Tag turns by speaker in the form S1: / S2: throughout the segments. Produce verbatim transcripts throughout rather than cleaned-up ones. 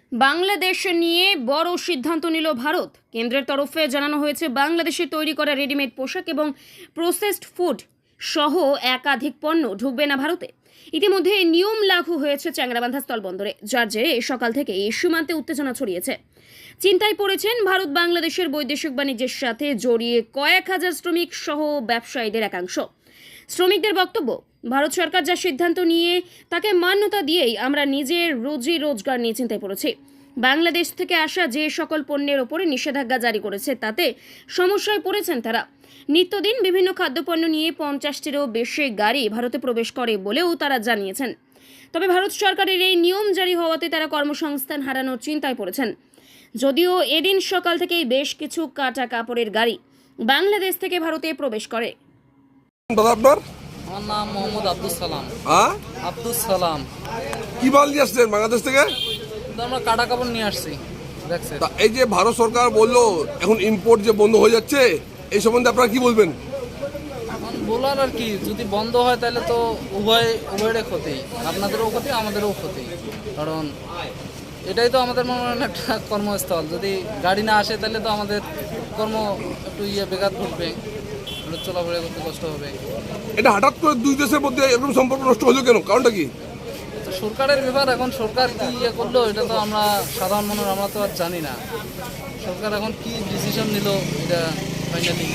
S1: বাংলাদেশ নিয়ে বড় সিদ্ধান্ত নিল ভারত। কেন্দ্রের তরফে জানানো হয়েছে বাংলাদেশে তৈরি করা রেডিমেড পোশাক এবং প্রসেসড ফুড সহ একাধিক পণ্য ঢুকবে না ভারতে। ইতিমধ্যে নিয়ম লাগু হয়েছে চ্যাংরাবান্ধা স্থলবন্দরে, যার জেরে সকাল থেকে এই সীমান্তে উত্তেজনা ছড়িয়েছে। চিন্তায় পড়েছেন ভারত বাংলাদেশের বৈদেশিক বাণিজ্যের সাথে জড়িয়ে কয়েক হাজার শ্রমিক সহ ব্যবসায়ীদের একাংশ। শ্রমিকদের বক্তব্য, ভারত সরকার যা সিদ্ধান্ত নিয়ে তাকে মান্যতা দিয়েই আমরা নিজের রোজি রোজগার নিয়ে চিন্তায় পড়েছি। বাংলাদেশ থেকে আসা যে সকল পণ্যের ওপরে নিষেধাজ্ঞা জারি করেছে তাতে সমস্যায় পড়েছেন তারা। নিত্যদিন বিভিন্ন খাদ্যপণ্য নিয়ে পঞ্চাশটিরও বেশি গাড়ি ভারতে প্রবেশ করে বলেও তারা জানিয়েছেন। তবে ভারত সরকারের এই নিয়ম জারি হওয়াতে তারা কর্মসংস্থান হারানোর চিন্তায় পড়েছেন। যদিও এদিন সকাল থেকেই বেশ কিছু কাটা কাপড়ের গাড়ি বাংলাদেশ থেকে ভারতে প্রবেশ করে।
S2: আপনার
S3: আমার নাম মোহাম্মদ আব্দুল সালাম।
S2: হ্যাঁ,
S3: আব্দুল সালাম।
S2: কি মাল নিয়ে আসছেন বাংলাদেশ থেকে?
S3: তো আমরা কাটা কাপড় নিয়ে আসছি। দেখছেন,
S2: তা এই যে ভারত সরকার বললো এখন ইম্পোর্ট যে বন্ধ হয়ে যাচ্ছে, এই সম্বন্ধে আপনারা কি বলবেন?
S3: এখন বলার আর কি, যদি বন্ধ হয় তাহলে তো উভয় উভয়ের ক্ষতি, আপনাদেরও ক্ষতি আমাদেরও ক্ষতি। কারণ এটাই তো আমাদের মনে হয় একটা কর্মস্থল, যদি গাড়ি না আসে তাহলে তো আমাদের কর্ম একটু ইয়ে বেকার ঘটবে, চলাফেরা করতে কষ্ট হবে।
S2: এটা হঠাৎ করে দুই দেশের মধ্যে এরকম সম্পর্ক নষ্ট হলো কেন? কারণটা কি?
S3: তো সরকারের ব্যাপার, এখন সরকার কি ইয়ে করলো এটা তো আমরা সাধারণ মানুষ আমরা তো আর জানি না। সরকার এখন কি ডিসিশন নিল এটা ফাইনালি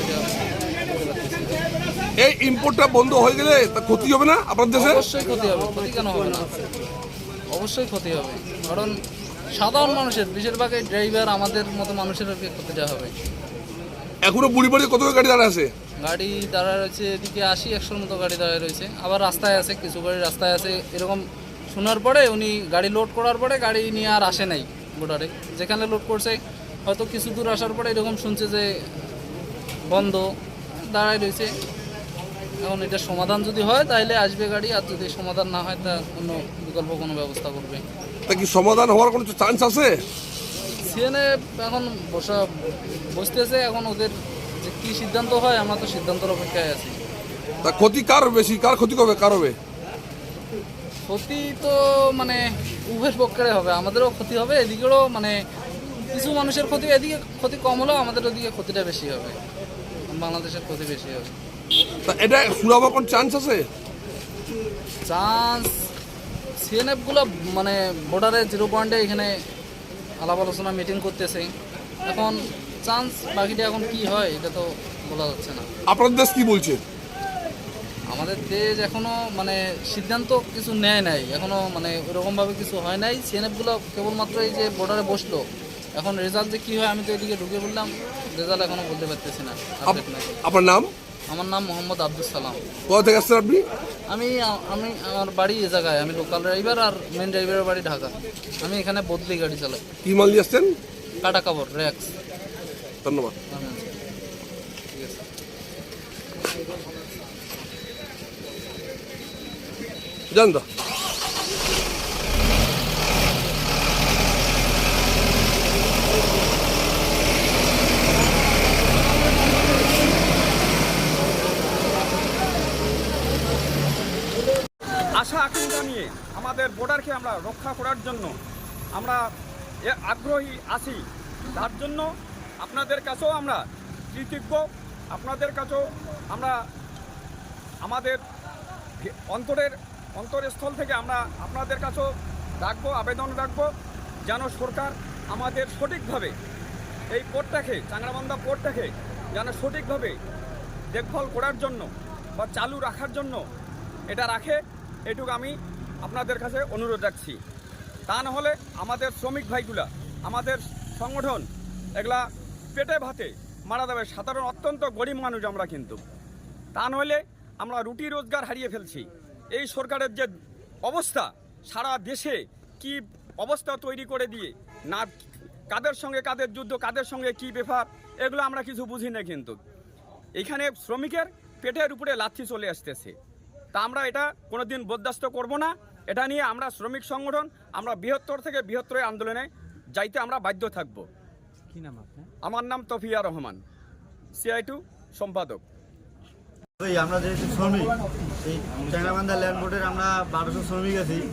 S2: এই ইম্পোর্টটা বন্ধ হয়ে গেলে তা ক্ষতি হবে না আপনার দেশে?
S3: অবশ্যই ক্ষতি হবে। ক্ষতি কেন হবে না? অবশ্যই ক্ষতি হবে, কারণ সাধারণ মানুষের, বেশিরভাগই ড্রাইভার আমাদের মতো মানুষের আর কি ক্ষতিটা হবে।
S2: এখনো বুড়ি বাড়ি কত গাড়ি দাঁড়া আছে?
S3: গাড়ি দাঁড়ায় রয়েছে এদিকে আশি একশোর মতো গাড়ি দাঁড়ায় রয়েছে, আবার রাস্তায় আছে, কিছু গাড়ি রাস্তায় আছে। এরকম শোনার পরে উনি গাড়ি লোড করার পরে গাড়ি নিয়ে আর আসে নাই বর্ডারে, যেখানে লোড করছে হয়তো কিছু দূর আসার পরে এরকম শুনছে যে বন্ধ দাঁড়ায় রয়েছে। এখন এটা সমাধান যদি হয় তাহলে আসবে গাড়ি, আর যদি সমাধান না হয় তা অন্য বিকল্প কোনো ব্যবস্থা করবে।
S2: তা কি সমাধান হওয়ার কোনো চান্স আছে?
S3: সিএনএ এখন বসা বসতেছে, এখন ওদের যে কী সিদ্ধান্ত হয় আমরা তো সিদ্ধান্তের অপেক্ষায় আছি।
S2: তা ক্ষতি কার বেশি, কার ক্ষতি হবে, কার হবে?
S3: ক্ষতি তো মানে উভয়ের পক্ষে হবে, আমাদেরও ক্ষতি হবে, এদিকেও মানে কিছু মানুষের ক্ষতি, এদিকে ক্ষতি কম হলেও আমাদের ওদিকে ক্ষতিটা বেশি হবে, বাংলাদেশের ক্ষতি বেশি হবে।
S2: তা এটা সুরাবার কোন চান্স আছে?
S3: চান্স সিএনএফগুলো মানে বর্ডারে জিরো পয়েন্টে এখানে আলাপ আলোচনা মিটিং করতেছে, এখন চান্স বাকিটা এখন কি হয় এটা তো বলা যাচ্ছে না।
S2: আপনার দেশ কি বলছে?
S3: আমাদের দেশ এখনো মানে সিদ্ধান্ত কিছু নেয় নাই, এখনো মানে ওইরকমভাবে কিছু হয় নাই। সিএনএফগুলো কেবলমাত্র এই যে বর্ডারে বসলো, এখন রেজাল্ট যে কী হয় আমি তো এদিকে ঢুকে বললাম, রেজাল্ট এখনো বলতে পারতেছি না।
S2: আপনার নাম?
S3: আমার নাম মোহাম্মদ আব্দুল সালাম।
S2: কোথা থেকে আসছেন আপনি?
S3: আমি আমি আমার বাড়ি এ জায়গায়, আমি লোকাল ড্রাইভার, আর মেন ড্রাইভারের বাড়ি ঢাকা। আমি এখানে বদলি গাড়ি চালাই।
S2: কি মাল নিয়ে আসছেন?
S3: কাটা কাপড়, র্যাক্স।
S2: ধন্যবাদ।
S3: ঠিক আছে।
S2: জান তো
S4: আশা আকাঙ্ক্ষা নিয়ে আমাদের বর্ডারকে আমরা রক্ষা করার জন্য আমরা আগ্রহী আছি। তার জন্য আপনাদের কাছেও আমরা কৃতজ্ঞ, আপনাদের কাছেও আমরা আমাদের অন্তরের অন্তরস্থল থেকে আমরা আপনাদের কাছেও রাখবো, আবেদন রাখবো যেন সরকার আমাদের সঠিকভাবে এই পোর্টটাকে, চ্যাংরাবান্ধা পোর্টটাকে যেন সঠিকভাবে দেখভাল করার জন্য বা চালু রাখার জন্য এটা রাখে, এটুকু আমি আপনাদের কাছে অনুরোধ রাখছি। তা না হলে আমাদের শ্রমিক ভাইগুলা, আমাদের সংগঠন এগুলা পেটে ভাতে মারা যাবে। সাধারণ অত্যন্ত গরিব মানুষ আমরা, কিন্তু তা নইলে আমরা রুটি রোজগার হারিয়ে ফেলছি। এই সরকারের যে অবস্থা, সারা দেশে কি অবস্থা তৈরি করে দিয়ে, না কাদের সঙ্গে কাদের যুদ্ধ, কাদের সঙ্গে কি ব্যাপার, এগুলো আমরা কিছু বুঝি না। কিন্তু এখানে শ্রমিকের পেটের উপরে লাথি চলে আসতেছে। তা আমরা এটা কোনোদিন বরদাস্ত করব না। এটা নিয়ে আমরা শ্রমিক সংগঠন আমরা বৃহত্তর থেকে বৃহত্তর আন্দোলনে যাইতে আমরা বাধ্য থাকব।
S5: কি নাম আপনার?
S4: আমার নাম তফিয়া রহমান, সিআই টু সম্পাদক।
S5: আমরা যেহেতু শ্রমিক, এই চ্যাংরাবান্ধা ল্যান্ড বোর্ডের আমরা বারোশো শ্রমিক আছি।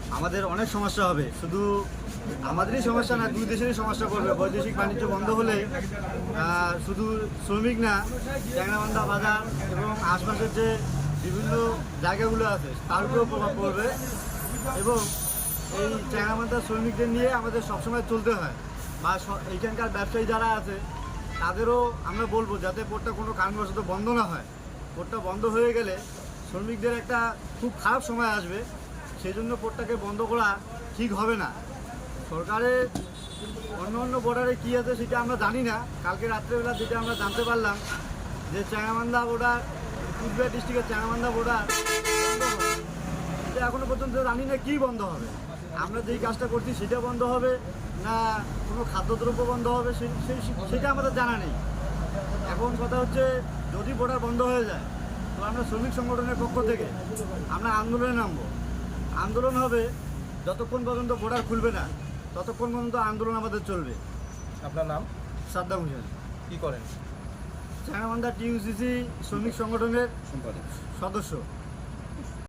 S5: আমাদের অনেক সমস্যা হবে। শুধু আমাদেরই সমস্যা না, দুই দেশেরই সমস্যা করবে। বৈদেশিক বাণিজ্য বন্ধ হলে আহ, শুধু শ্রমিক না, ট্যাংরাবান্ধা বাজার এবং আশপাশের যে বিভিন্ন জায়গাগুলো আছে তার উপরেও প্রভাব পড়বে। এবং এই ট্যাংরাবান্ধা শ্রমিকদের নিয়ে আমাদের সবসময় চলতে হয়, বা স- এইখানকার ব্যবসায়ী যারা আছে তাদেরও আমরা বলবো যাতে পোর্টটা কোনো কারণবশত বন্ধ না হয়। পোর্টটা বন্ধ হয়ে গেলে শ্রমিকদের একটা খুব খারাপ সময় আসবে, সেই জন্য পোর্টটাকে বন্ধ করা ঠিক হবে না। সরকারের অন্য অন্য বর্ডারে কী আছে সেটা আমরা জানি না। কালকে রাত্রেবেলা যেটা আমরা জানতে পারলাম যে চ্যাংরাবান্ধা বর্ডার, কুচবিহার ডিস্ট্রিক্টের চ্যাংরাবান্ধা বর্ডার বন্ধ হবে। এটা এখনও পর্যন্ত জানি না কী বন্ধ হবে। আমরা যেই কাজটা করছি সেটা বন্ধ হবে না কোনো খাদ্যদ্রব্য বন্ধ হবে সে- সেই সেটা আমাদের জানা নেই। এখন কথা হচ্ছে যদি বর্ডার বন্ধ হয়ে যায় তো আমরা শ্রমিক সংগঠনের পক্ষ থেকে আমরা আন্দোলনে নামবো। আন্দোলন হবে যতক্ষণ পর্যন্ত বর্ডার খুলবে না ততক্ষণ পর্যন্ত আন্দোলন আমাদের চলবে।
S6: আপনার নাম,
S5: সাদ্দাম হোসেন,
S6: কি করেন?
S5: চ্যাংরাবান্ধা টিইউসিসি শ্রমিক সংগঠনের সদস্য।